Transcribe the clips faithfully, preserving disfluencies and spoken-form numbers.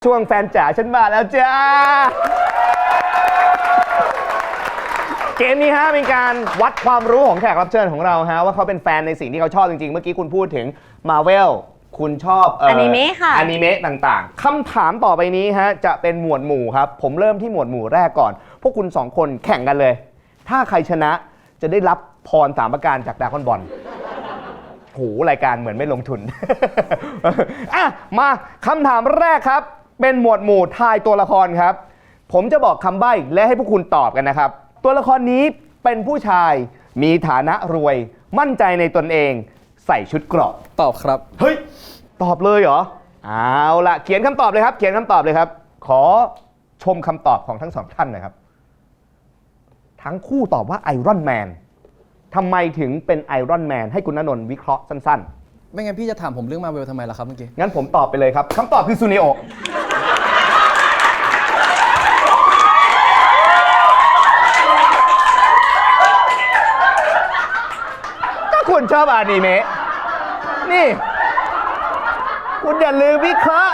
ช่วงแฟนจ๋าฉันมาแล้วจ้าเกมนี้ฮะเป็นการวัดความรู้ของแขกรับเชิญของเราฮะว่าเขาเป็นแฟนในสิ่งที่เขาชอบจริงๆเมื่อกี้คุณพูดถึง Marvel คุณชอบอนิเมะค่ะอนิเมะต่างๆคำถามต่อไปนี้ฮะจะเป็นหมวดหมู่ครับผมเริ่มที่หมวดหมู่แรกก่อนพวกคุณสองคนแข่งกันเลยถ้าใครชนะจะได้รับพรสามประการจากดราก้อนบอลโหรายการเหมือนไม่ลงทุน อ่ะมาคำถามแรกครับเป็นหมวดหมู่ทายตัวละครครับผมจะบอกคำใบ้และให้พวกคุณตอบกันนะครับตัวละครนี้เป็นผู้ชายมีฐานะรวยมั่นใจในตนเองใส่ชุดเกราะตอบครับเฮ้ยตอบเลยเหรอเอาล่ะเขียนคำตอบเลยครับเขียนคำตอบเลยครับขอชมคำตอบของทั้งสองท่านหน่อยครับทั้งคู่ตอบว่าไอรอนแมนทำไมถึงเป็นไอรอนแมนให้คุณณนนท์วิเคราะห์สั้นๆไม่งั้นพี่จะถามผมเรื่องมาเวลทำไมล่ะครับเมื่อกี้งั้นผมตอบไปเลยครับคำตอบคือซูเนโอถ้าคุณชอบอนิเมะนี่คุณอย่าลืมวิเคราะห์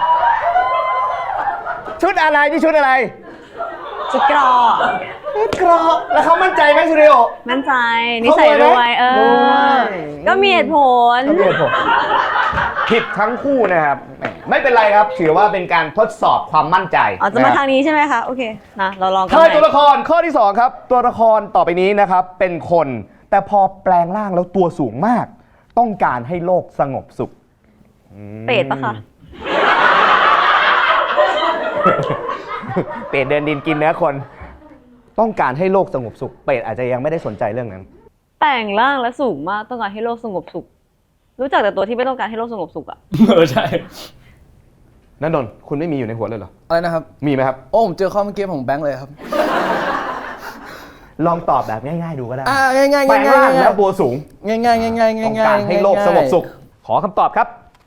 ชุดอะไรที่ชุดอะไรชุดเกราะชุดเกราะแล้วเขามั่นใจไหมซูเนโอมั่นใจนิสัยรวยเออก็มีเหตุผลก็มีเหตุผลผิดทั้งคู่นะครับไม่เป็นไรครับถือว่าเป็นการทดสอบความมั่นใจอ๋อจะมาทางนี้ใช่ไหมคะโอเคนะเราลองกันทายตัวละครข้อที่สองครับตัวละครต่อไปนี้นะครับเป็นคนแต่พอแปลงร่างแล้วตัวสูงมากต้องการให้โลกสงบสุขเป็ดปะคะเป็ดเดินดินกินเนื้อคนต้องการให้โลกสงบสุขเป็ดอาจจะยังไม่ได้สนใจเรื่องนั้นแปลงร่างและสูงมากต้องการให้โลกสงบสุขรู้จักแต่ตัวที่ไม่ต้องการให้โลกสงบสุขอะเออใช่ณนนท์คุณไม่มีอยู่ในหัวเลยเหรออะไรนะครับมีไหมครับโอ้ผมเจอข้อเมื่อกี้ของแบงค์เลยครับลองตอบแบบง่ายๆดูก็ได้อ่าง่ายๆง่ายๆแปลงร่างแล้วตัวสูงง่ายๆง่ายๆง่ายๆต้องการให้โลกสงบสุขขอคำตอบครับ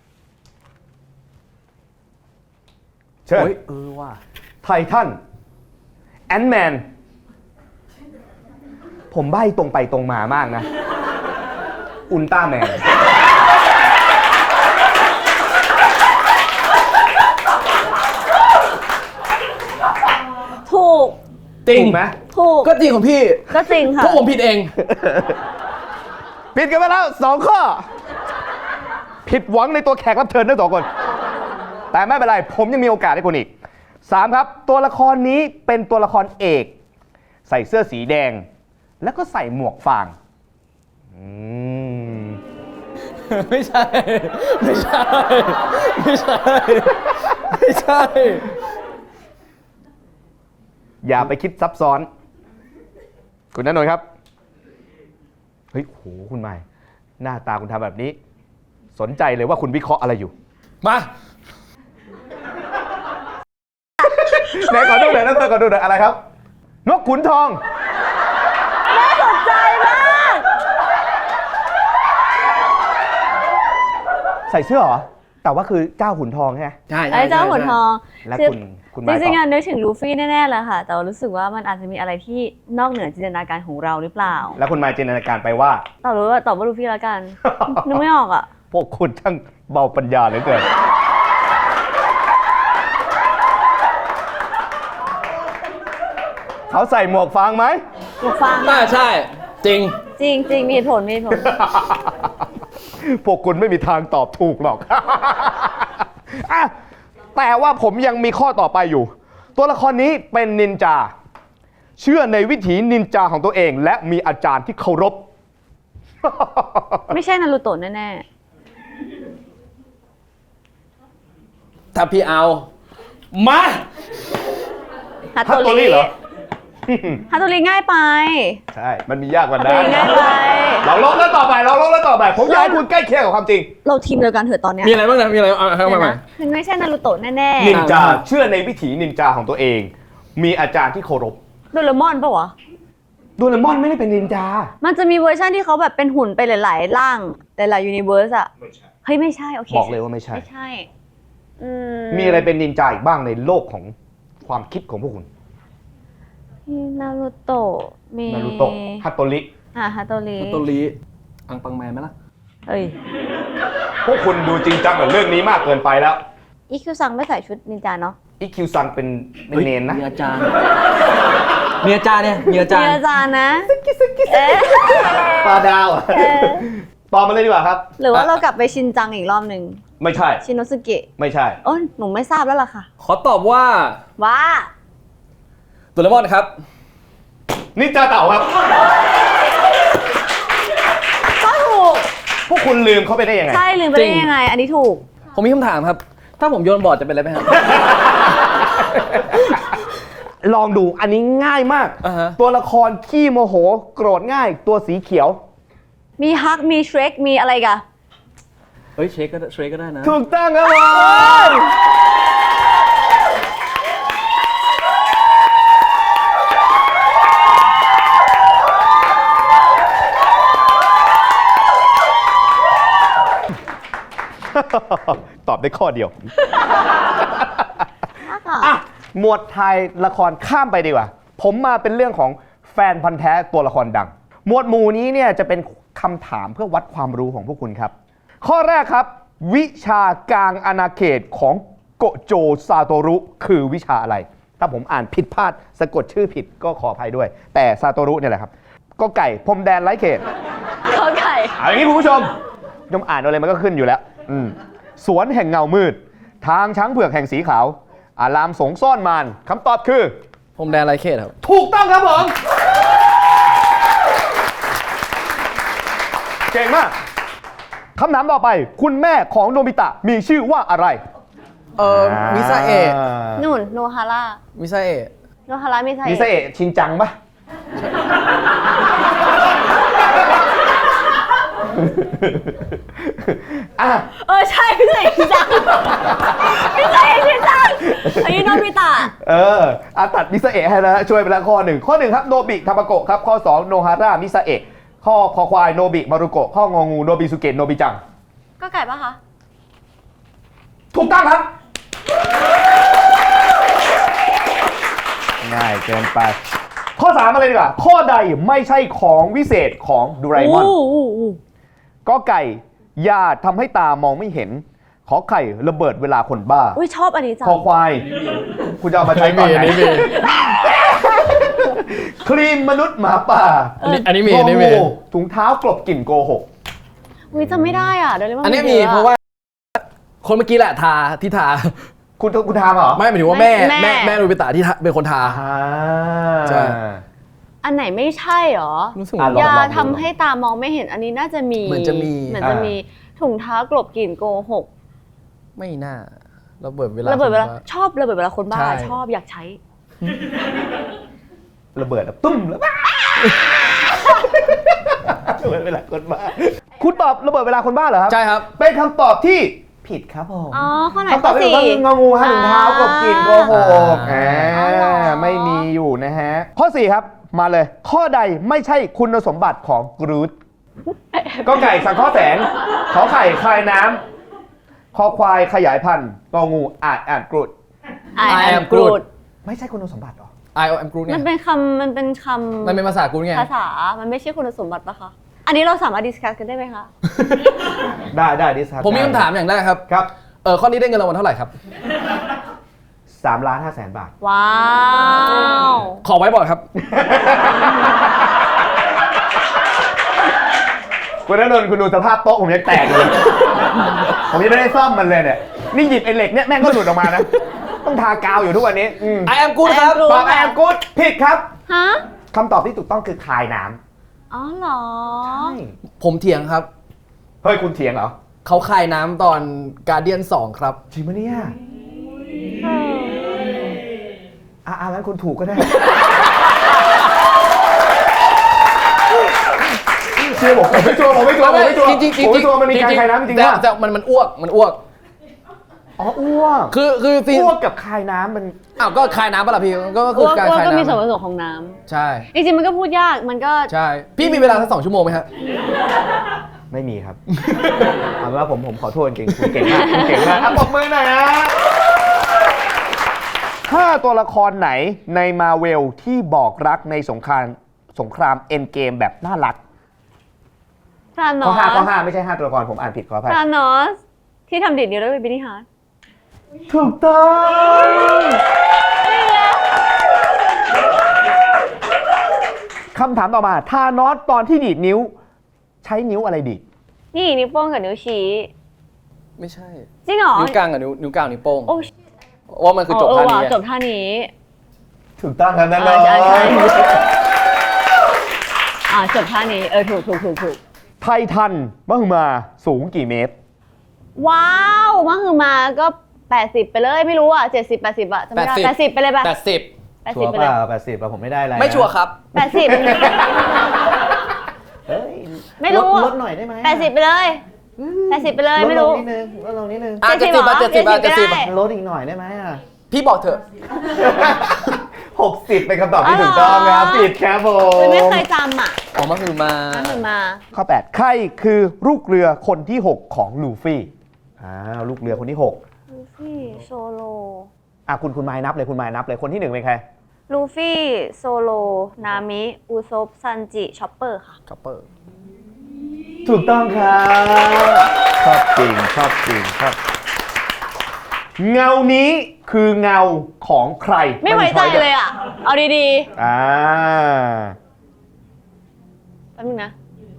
เชิญเออว่าไททันแอนด์แมนผมใบ้ตรงไปตรงมามากนะอุลตร้าแมนถูกจริงไหมถูกก็จริงของพี่ก็จริงค่ะพวกผมผิดเองผิดกันไปแล้วสองข้อผิดหวังในตัวแขกรับเชิญทั้งสองคนแต่ไม่เป็นไรผมยังมีโอกาสให้คุณอีกสามครับตัวละครนี้เป็นตัวละครเอกใส่เสื้อสีแดงแล้วก็ใส่หมวกฟางไม่ใช่ไม่ใช่ไม่ใช่ไม่ใช่อย่าไปคิดซับซ้อนคุณณนนท์ครับเฮ้ยโหคุณใหม่หน้าตาคุณทำแบบนี้สนใจเลยว่าคุณวิเคราะห์อะไรอยู่มาไหนขอดูหน่อยนะเธอขอดูหน่อยอะไรครับนกขุนทองน่าสนใจมากใส่เสื้อเหรอแต่ว่าคือเจ้าขุนทองใช่ไหมใช่ไอ้เจ้าขุนทองและคุณคุณจริงๆนึกถึงลูฟี่แน่ๆแหละค่ะแต่รู้สึกว่ามันอาจจะมีอะไรที่นอกเหนือจินตนาการของเราหรือเปล่าแล้วคุณมาจินตนาการไปว่าตอบรู้ว่าตอบว่าลูฟี่แล้วกันนึกไม่ออกอ่ะพวกคุณช่างเบาปัญญาเหลือเกินเขาใส่หมวกฟางไหมหมวกฟางน่าใช่จริงจริงจริงมีเหตุผลมีเหตุผลพวกคุณไม่มีทางตอบถูกหรอกอะแต่ว่าผมยังมีข้อต่อไปอยู่ตัวละครนี้เป็นนินจาเชื่อในวิถีนินจาของตัวเองและมีอาจารย์ที่เคารพไม่ใช่นารูโตะแน่ๆถ้าพี่เอามาฮัตโตริเหรอฮัตโตริง่ายไปใช่มันมียากกว่านั้นง่ายไปเราลงแล้วต่อไปเราลงแล้วต่อไปผมอยากให้คุณใกล้เคียงกับความจริงเราทีมเดียวกันเถอะตอนนี้มีอะไรบ้างนะมีอะไรเอาเข้ามาใหม่มันไม่ใช่นารูโตะแน่ๆนินจาเชื่อในวิถีนินจาของตัวเองมีอาจารย์ที่เคารพโดเรมอนปะวะโดเรมอนไม่ได้เป็นนินจามันจะมีเวอร์ชันที่เขาแบบเป็นหุ่นไปหลายๆร่างหลายๆยูนิเวอร์สอะเฮ้ยไม่ใช่โอเคบอกเลยว่าไม่ใช่ไม่ใช่มีอะไรเป็นนินจาอีกบ้างในโลกของความคิดของพวกคุณนารูโตะมีนารูโตะฮัตโตริอ่าฮัตโตริฮัตโตริอังปังแมนไหมล่ะเอ้ยพวกคุณดูจริงจังกับเรื่องนี้มากเกินไปแล้วอีคิวซังไม่ใส่ชุดนินจาเนาะอีคิวซังเป็นเป็นเนนนะมีอาจารย์มีอาจารย์เนี่ยมีอาจารมีย์อาจารย์นะเอ๊ะปลาดาวอะเออตอบมาเลยดีกว่าครับหรือว่าเรากลับไปชินจังอีกรอบหนึ่งไม่ใช่ชินโนสุเกะไม่ใช่โอ้ยหนูไม่ทราบแล้วล่ะค่ะขอตอบว่าว่าโดเรมอนครับนินจาเต่าครับก็ถูกพวกคุณลืมเขาไปได้ยังไงใช่ลืมไปได้ยังไง อันนี้ถูกผมมีคำถามครับ ถ้าผมโยนบอร์ดจะเป็นอะไรไหมครับลองดูอันนี้ง่ายมากอ่าฮะตัวละครขี้โมโห โกรธง่าย ตัวสีเขียวมีฮัก มีเชร e กมีอะไรกันเฮ้ยเชคก็ได้เชคก็ได้นะถูกต้องครับผม ตอบได้ข้อเดียว อ่ะ หมวดไทยละครข้ามไปดีกว่า ผมมาเป็นเรื่องของแฟนพันธ์แท้ตัวละครดัง หมวดหมู่นี้เนี่ยจะเป็นคำถามเพื่อวัดความรู้ของพวกคุณครับ ข้อแรกครับ วิชากลางอาณาเขตของโกโจซาโตรุคือวิชาอะไร ถ้าผมอ่านผิดพลาดสะกดชื่อผิดก็ขออภัยด้วย แต่ซาโตรุเนี่ยแหละครับ ก็ไก่พรมแดนไร้เขตเขาไก่เอาอย่างนี้คุณผู้ชมยมอ่านอะไรมันก็ขึ้นอยู่แล้วอืมสวนแห่งเงามืด ทางช้างเผือกแห่งสีขาว อารามสงซ่อนมารคำตอบคือผมแดนไรเขตครับถูกต้องครับผม เก่งมากคำถามต่อไป คุณแม่ของโนบิตะมีชื่อว่าอะไรเออมิซาเอะนุ่น โนฮาร่ามิซาเอะโนฮาร่ามิไซมิซาเอะชินจังปะ อ่ะเออ ใช่ไม่ใช่ชินจังไม่ใช่ชินจังอันนี้โนบิตะเอออาตัดมิซาเอะให้แล้วช่วยไปแล้วข้อหนึ่งข้อหนึ่งครับโนบิทามาโกะครับข้อสองโนฮาร่ามิซาเอะข้อคอควายโนบิมารุโกะข้ององูโนบิสุเกะโนบิจังก็ไก่ปะคะถูกต้องครับ ง่ายเกินไป ข้อสามมาเลยดีกว่าข้อใดไม่ใช่ของวิเศษของดูไรมอนก็ไก่ยาทำให้ตามองไม่เห็น ขอไข่ระเบิดเวลาคนบ้าอุ้ยชอบอันนี้จังคอควาย คุณจะเอามาใช้ตอนไหนครีมมนุษย์หมาป่าอันนี้อันนี้มีอันนี้มีโง่ถุงเท้ากลบกลิ่นโกหกอุ้ยจำไม่ได้อ่ะเดี๋ยวเลยอันนี้มีเพราะว่า คนเมื่อกี้แหละทาที่ทาคุณคุณทามเหรอไม่หมายถึงว่าแม่แม่แม่โนบิตะที่ทาเป็นคนทาอ่าใช่อันไหนไม่ใช่หรอรู้สึกอ่ะลองยาลองดูทำให้ตามองไม่เห็นอันนี้น่าจะมีเหมือนจะมีเหมือนจะมีถุงเท้ากลบกลิ่นโกหกไม่น่าระเบิดเวลาระเบิดเวลาคนบ้ชอบระเบิดเวลาคนบ้าใช่ชอบอยากใช้ระเบิดแล้วตุ้มแล้วระเบิดเวลาคนบ้าคุณตอบระเบิดเวลาคนบ้าเหรอครับใช่ครับเป็นคำตอบที่ผิดครับผมอ๋อข้อไหนคำตอบข้อที่ถูสี่กต้องคืององูฮะถุงเท้ากลบกลิ่นโกหกอ่าอ่าอ๋อเหรอไม่มีอยู่นะฮะ ข้อสี่ครับมาเลย ข้อใดไม่ใช่คุณสมบัติของกรูดก็ไก่สังเคราะห์แสงขอไข่คลายน้ำคอควายขยายพันธุ์งองูอาจอ่านกรูด I I am am Groot Groot ไม่ใช่คุณสมบัติหรอ I am Groot เนี่มันยเป็นคำมันเป็นคำมันเป็นภาษากูไงภาษา มันไม่ใช่คุณสมบัติปะคะ อันนี้เราสามารถดิสคัสกันได้ไหมคะได้ได้ดิสคัสผมมีคำถามอย่างแรกครับครับเออข้อนี้ได้เงินรางวัลเท่าไหร่ครับสามล้านห้าแสนบาทว้าวขอไว้บอร์ดครับคุณนนท์คุณดูสภาพโต๊ะผมยังแตกเลย ผมยังไม่ได้ซ่อมมันเลยเนี่ย นี่หยิบไอ้เหล็กเนี่ยแม่งก็หลุดออกมานะ ต้องทากาวอยู่ทุกวันนี้อืม I am Groot ครับ I am Groot ตอบแอมกูดผิดครับฮะคำตอบที่ถูกต้องคือคายน้อ๋อเหรอำผมเถียงครับเฮ้ยคุณเถียงเหรอเขาคายน้ำตอนการเดียนสองครับจริงปะเนี่ยอ่ะอ่ะงั้นคุณถูกก็ได้ เชื่อผมผมไม่ชัวร์ผมไม่ชัวร์ผมไม่ชัวร์จริงๆจริงผมไม่ชัวร์มันมีการคายน้ำจริงๆแต่นะแต่มันมันอ้วกมันอ้วกอ๋ออ้วกคือคือซีนอ้วกกับคายน้ำมันอ้าวก็คายน้ำปะล่ะพี่ก็ก็คือ้อวกการอ้วกคายก็มีส่วนผน้ำสมของน้ใช่ำจริงๆมันก็พูดยาก มันก็ใช่ พี่มีเวลาสักสองชั่วโมงไหมฮะไม่มีครับ เอาเป็นว่าผมผมขอโทษจริงคุณเก่งมากคุณเก่งมากอ่ะปรบมือหน่อยนะห้าตัวละครไหนในมาเวลที่บอกรักในสงครามสงครามเอ็นเกมแบบน่ารักทานอข้อสห้าข้อห้าไม่ใช่ห้าตัวละครผมอ่านผิดขออภัยทานอส ที่ทำดิดนิ้วแล้วเป็นบินนี่ฮาร์ดถูกต้องคำถามต่อมาทานอสตอนที่ดีดนิ้ว ใช้นิ้วอะไรดีดนี่นิ้วโป้งกับนิ้วชี้ไม่ใช่จริงเหรอนิ้วกลางกับนิ้วนิ้วกลางนิ้วโป้งโอ้ว่ามันคือจบเออท่าว่ะนี้จบท่านี้ถูกต้องครับนั่นเลอ่าย ใช่ใช่อ่าจบท่านี้เออถูกถูกถูกถูกไททันมหึมาสูงกี่เมตรว้าวมากคือมาก็แปดสิบไปเลยไม่รู้อ่ะเจ็ดสิบแปดสิบอ่ะจะไม่ได้แปดสิบไปเลยป่ะแปดสิบแปดชัสิวบร์ไปเปเลยล่าแปดสิบเราผมไม่ได้อะไรไม่ชัวร์ครับแปดสิบเฮ้ยไม่รู้ลดหน่อยได้ไหมแปดสิบไปเลยแปดสิบไปเลยไม่รู้ลดลงนิดนึงลดลงนิดนึงอ่ะเจ็ดสิบอ่ะเจ็ดสิบอ่ะเจ็ดสิบอ่ะลดอีกหน่อยได้ไหมอ่ะพี่บอกเถอะหกสิบเป็นคำตอบที่ถูกต้องนะครับผิดครับผมไม่เคยจำอ่ะออกมาคือมามากคือมาข้อแปดใครคือลูกเรือคนที่หกของลูฟี่อ้าวลูกเรือคนที่หกลูฟี่โซโลอ่ะคุณคุณไม้นับเลยคุณไม้นับเลยคนที่หนึ่งเป็นใครลูฟี่โซโลนามิอุซบซันจิชอปเปอร์ค่ะคัพเปอร์ถูกต้องครับชอบจริงชอบจริงชอบเงานี้คือเงาของใครไม่ไว้ใจเลยอ่ะ เอาดีอ่าๆแป๊บนึงนะ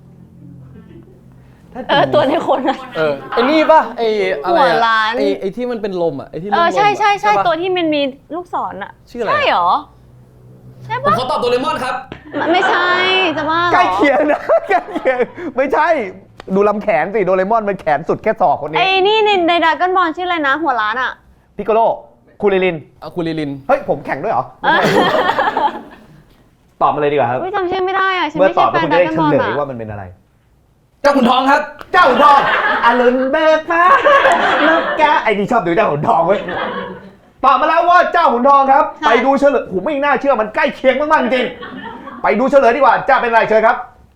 ถ้าเออตัวในคนอ่ะเออไอ้นี่ป่ะไอ้อะไรหัวอะล้านไอ้ไอ้ที่มันเป็นลมอ่ะไอ้ที่เอลมอๆใช่ใช่ใช่ปะตัวที่มันมีลูกศรอ่ะชื่ออะไรใช่เหรอ ใช่ผมปะขอตอบโดเรมอนครับมันไม่ใช่จะว่าเหรอใกล้เคียงนะใกล้เคียงไม่ใช่ดูลำแขนสิโดเรมอนมันแขนสุดแค่ศอกคนนี้ไอ้นี่ในในดราก้อนบอลชื่ออะไรนะ หัวล้านอ่ะพิโกโลคูริลินอาคูลิลินเฮ้ยผมแข่งด้วยเหรอเออตอบมาเลยดีกว่าครับอุ้ยจำชื่อไม่ได้อ่ะฉันเมื่อไม่ตใช่อบแฟแล้วนคุณดจะราได้ก้อนเฉบอลลยอ่ะว่ามันเป็นอะไรเจ้าขุนทองครับเจ้าขุนทองอรุณเบิกฟ้าลูกแกไอ้นี่ชอบดูเจ้าขุนทองเว้ยตอบมาแล้วว่าเจ้าขุนทองครับ ไปดูเฉลยผมไม่น่าเชื่อมันใกล้เคียงมากๆจริงไปดูเฉลยดีกว่าจะเป็นอะไรเชิญครับ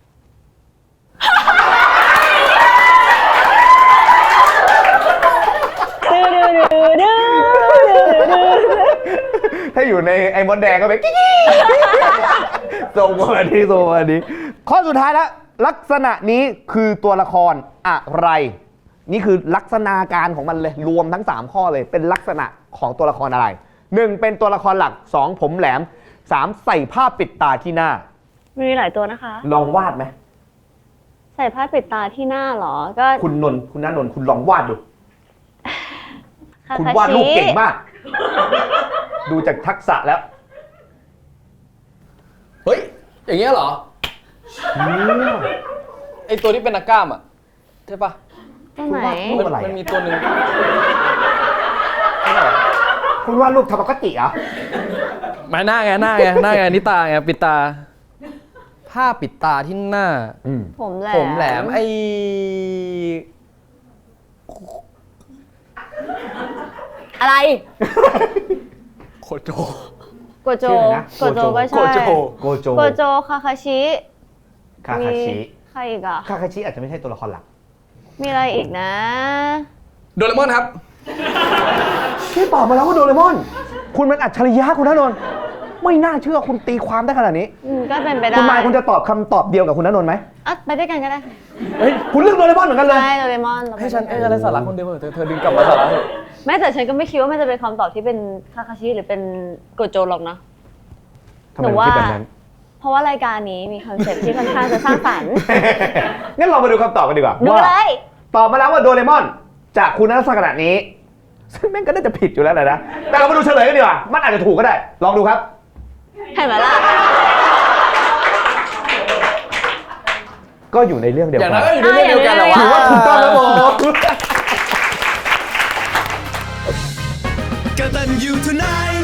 ถ้าอยู่ในไอ้มดแดงก็เป็นกิ๊กส่งมาดีส่งมาดีข้อสุดท้ายแล้วลักษณะนี้คือตัวละครอะไร นี่คือลักษณะการของมันเลยรวมทั้งสามข้อเลยเป็นลักษณะของตัวละครอะไรหนึ่งเป็นตัวละครหลักสองผมแหลมสามใส่ผ้าปิดตาที่หน้ามีหลายตัวนะคะลองวาดไหมใส่ผ้าปิดตาที่หน้าเหรอ ก็คุณนนท์คุณน้านนท์คุณลองวาดดูคาคุณคาวาดรูปชิเก่งมาก ดูจากทักษะแล้วเฮ้ย อย่างเงี้ยเหรอ ไอตัวที่เป็นนักกล้ามอ่ะ ใช่ปะตรงไหนรูปอะไรมันอะมีตัวหนึ่งคุณวาดรูปทำปกติเหรอมาหน้าไงหน้าไงหน้าไงนี่ตาไงปิดตา ผ้าปิดตาที่หน้าอืมผมแหลมผมแหลมไออะไรโคโจโกโจชื่ออะไรนะโกโจก็โกใช่โจโกโจโกโจคาคาชิคาคาชิมีใครอีกอ่ะคาคาชิอาจจะไม่ใช่ตัวละครหลักมีอะไรอีกนะโดเรมอนครับพี่ตอบมาแล้วว่าโดเรมอน คุณมันอัจฉริยะคุณณนนท์ไม่น่าเชื่อคุณตีความได้ขนาดนี้อืมก็เป็นไปได้คุณมายคุณจะตอบคำตอบเดียวกับคุณณนนท์ไหมอ่ะไปด้วยกันก็ได้เฮ้ยคุณเลือกโดเรมอนเหมือนกันเลยใช่โดเรมอนเราไปให้ฉันด้วยเอ้กัอะไรสาระคนเดียวเถอะเธอดึงกลับมาสาระเถอะไม่แต่ฉันก็ไม่คิดว่ามันจะเป็นคำตอบที่เป็นคาคาชิหรือเป็นโกโจหรอกนะทำไมถึงคิดแบบนั้นเพราะว่ารายการนี้มีคอนเซ็ปต์ที่ค่อนข้างจะสร้างสรรค์งั้นเรามาดูคำตอบกันดีกว่าดูว่าเลยตอบมาแล้วว่าโดเรมอนจากคุณลักษณะนี้ ซึ่งแม่งก็น่าจะผิดอยู่แล้วแหละนะ แต่เรามาดูเฉลยกันดีกว่า มันอาจจะถูกก็ได้ ลองดูครับเห็นไหมล่ะก็อยู่ในเรื่องเดียวอย่างกันั้น นก็อยู่ในเรื่องเดียวกันแหละวะถือว่าถูกต้องแล้วผมกตัญญูทูไนท์